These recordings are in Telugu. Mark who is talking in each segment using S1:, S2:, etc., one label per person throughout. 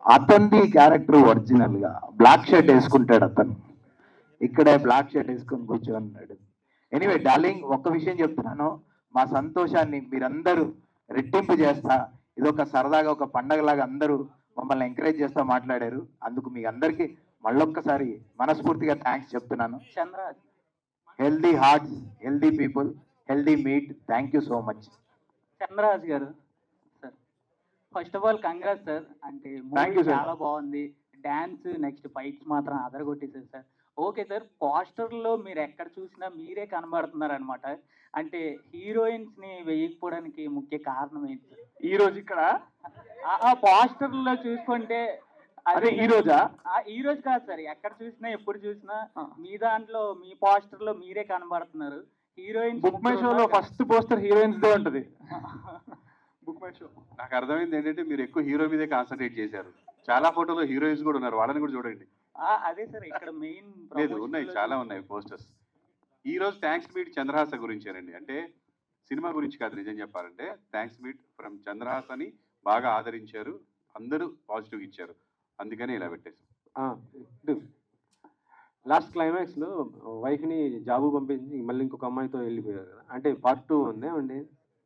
S1: అతనిది క్యారెక్టర్ ఒరిజినల్ గా బ్లాక్ షర్ట్ వేసుకుంటాడు అతను. ఇక్కడే బ్లాక్ షర్ట్ వేసుకొని కూర్చోన్నాడు. ఎనీవే డార్లింగ్, ఒక్క విషయం చెప్తున్నాను, మా సంతోషాన్ని మీరందరూ రెట్టింపు చేస్తా, ఇదొక సరదాగా ఒక పండగలాగా అందరూ మమ్మల్ని ఎంకరేజ్ చేస్తా మాట్లాడారు. అందుకు మీ అందరికీ మళ్ళొక్కసారి మనస్ఫూర్తిగా థ్యాంక్స్ చెప్తున్నాను.
S2: Chandraraj
S1: healthy hearts, healthy people, healthy meet. Thank you so much.
S2: Chandraraj garu sir, first of all congrats sir. అంటే
S1: Thank you,
S2: మూవీ
S1: sir.
S2: చాలా బాగుంది. డాన్స్ నెక్స్ట్ ఫైట్స్ మాత్రం అదరగొట్టేశారు సార్. ఓకే సార్, పోస్టర్లో మీరు ఎక్కడ చూసినా మీరే కనబడుతున్నారు అనమాట. అంటే హీరోయిన్స్ ని వేయకపోవడానికి ముఖ్య కారణం ఏంటి సార్?
S3: ఈ రోజు ఇక్కడ
S2: ఆ పోస్టర్లో చూసుకుంటే
S3: అదే ఈ రోజా?
S2: ఈ రోజు కాదు సార్, ఎక్కడ చూసినా ఎప్పుడు చూసినా మీ దాంట్లో మీ పోస్టర్ లో మీరే కనబడుతున్నారు. హీరోయిన్స్
S3: బుక్ మై షోలో ఫస్ట్ పోస్టర్ హీరోయిన్స్ దే ఉంటది. Book My Show.
S4: నాకు అర్థమైంది ఏంటంటే మీరు ఎక్కువ హీరో మీదే కాన్సన్ట్రేట్ చేశారు. చాలా ఫోటోలో హీరోయిన్స్ కూడా ఉన్నారు, వాళ్ళని కూడా చూడండి.
S2: అదే సార్ ఇక్కడ మెయిన్
S4: లేదు, ఉన్నాయి, చాలా ఉన్నాయి పోస్టర్స్. ఈ రోజు థ్యాంక్స్ మీట్ చంద్రహాస గురించేనండి. అంటే సినిమా గురించి కాదు, నిజం చెప్పాలంటే థ్యాంక్స్ మీట్ ఫ్రమ్ చంద్రహాస అని బాగా ఆదరించారు, అందరూ పాజిటివ్ ఇచ్చారు, అందుకని ఇలా పెట్టేసాం.
S5: లాస్ట్ క్లైమాక్స్ లో వైఫ్ ని జాబు పంపించి మళ్ళీ ఇంకొక అమ్మాయితో వెళ్ళిపోయారు కదా, అంటే పార్ట్ 2 ఉందే అండి.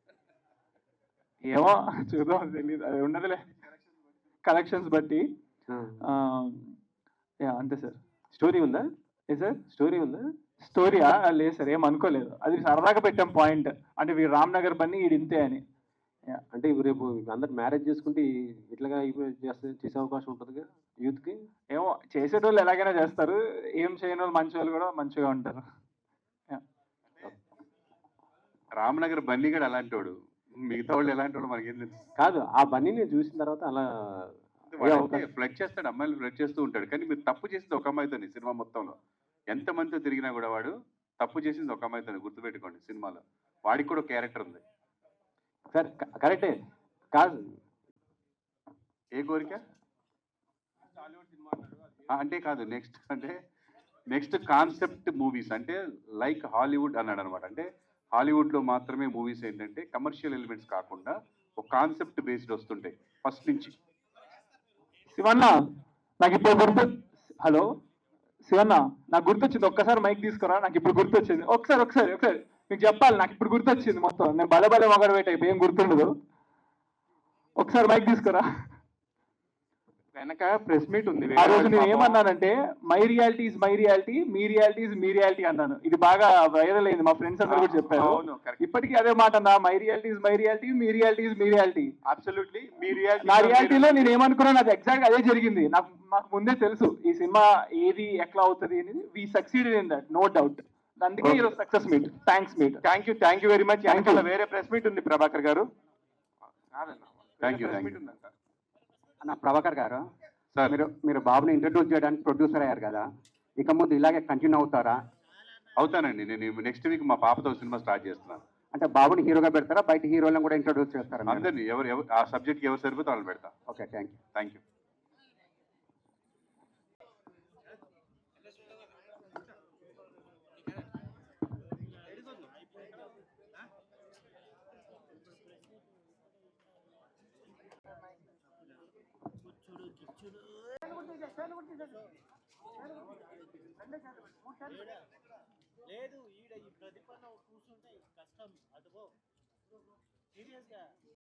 S3: ఏమో చూద్దాం, తెలియదు, అది ఉండదులే కలెక్షన్స్ బట్టి. అంతే సార్.
S5: స్టోరీ ఉందా?
S3: ఏ సార్?
S5: స్టోరీ ఉందా?
S3: స్టోరీయా? లేదు సార్, ఏం అనుకోలేదు, అది సరదాగా పెట్టాం పాయింట్. అంటే వీడు రామ్ నగర్ బన్నీ వీడు ఇంతే అని.
S5: అంటే రేపు అందరు మ్యారేజ్ చేసుకుంటే ఇట్లాగా చేసే అవకాశం ఉంటుంది యూత్ కి.
S3: ఏమో, చేసేటోళ్ళు ఎలాగైనా చేస్తారు, ఏం చేయని వాళ్ళు మంచి వాళ్ళు కూడా మంచిగా ఉంటారు.
S4: రామనగర్ బన్నీ కూడా అలాంటి వాడు, మిగతా వాళ్ళు ఎలాంటి వాడు మనకేం తెలుసు.
S5: కాదు, ఆ బన్నీని చూసిన తర్వాత అలా
S4: ఫ్లడ్ చేస్తాడు, అమ్మాయిలు ఫ్లడ్ చేస్తూ ఉంటాడు. కానీ మీరు తప్పు చేసింది ఒక అమ్మాయితోని సినిమా మొత్తంలో. ఎంత మందితో తిరిగినా కూడా వాడు తప్పు చేసింది ఒక అమ్మాయితోని, గుర్తుపెట్టుకోండి. సినిమాలో వాడికి కూడా క్యారెక్టర్ ఉంది.
S5: సరే, కరెక్టే. కాదు,
S4: ఏ కోరిక అంటే కాదు, నెక్స్ట్ కాన్సెప్ట్ మూవీస్ అంటే లైక్ హాలీవుడ్ అన్నాడు అనమాట. అంటే హాలీవుడ్లో మాత్రమే మూవీస్ ఏంటంటే కమర్షియల్ ఎలిమెంట్స్ కాకుండా ఒక కాన్సెప్ట్ బేస్డ్ వస్తుంటాయి ఫస్ట్ నుంచి.
S3: శివన్న, నాకు ఇప్పుడు హలో శివన్న, నాకు గుర్తొచ్చింది, ఒక్కసారి మైక్ తీసుకురా, నాకు ఇప్పుడు గుర్తొచ్చింది. ఒకసారి మీకు చెప్పాలి, నాకు ఇప్పుడు గుర్తొచ్చింది మొత్తం. నేను బలబల మొగడు పెట్ట ఏం గుర్తుండదు. ఒకసారి మైక్ తీసుకురా.
S5: వెనక ప్రెస్ మీట్ ఉంది.
S3: ఆ రోజు నేను ఏమన్నానంటే, my reality is my reality, మీ రియాలిటీ ఇస్ మీ రియాలిటీ అన్నాను. ఇది బాగా వైరల్ అయింది, మా ఫ్రెండ్స్ అందరూ కూడా చెప్పారు. ఇప్పటికీ అదే మాట అన్నా, my reality is my reality, మీ రియాలిటీ ఇస్ మీ రియాలిటీ.
S4: అబ్సల్యూట్లీ మీ రియాలిటీ.
S3: నా రియాలిటీలో నేను ఏమనుకున్నాను అది ఎగ్జాక్ట్ అదే జరిగింది. నాకు ముందే తెలుసు ఈ సినిమా ఏది ఎట్లా అవుతుంది అనేది. We succeeded in that, no doubt. అందుకే ఈరోజు success meet. Thanks meet.
S5: Thank you very much. వేరే ప్రెస్ మీట్ ఉంది ప్రభాకర్ గారు.
S4: Thank you.
S6: అన్న ప్రభాకర్ గారు,
S4: సార్,
S6: మీరు బాబుని ఇంట్రడ్యూస్ చేయడానికి ప్రొడ్యూసర్ అయ్యారు కదా, ఇక ముందు ఇలాగే కంటిన్యూ అవుతారా?
S4: అవుతానండి. నేను నెక్స్ట్ వీక్ మా పాపతో సినిమా స్టార్ట్ చేస్తున్నాను.
S6: అంటే బాబుని హీరోగా పెడతారా, బయట హీరోలను కూడా ఇంట్రడ్యూస్ చేస్తారా?
S4: అందరినీ ఎవరు ఆ సబ్జెక్ట్కి ఎవరు సరిపోతే వాళ్ళు పెడతా.
S6: Okay, thank you.
S4: Thank you.
S7: లేదు, ఈడ ఈ ప్రతిపన్న కూర్చుంటే కష్టం. అటుపో సీరియస్గా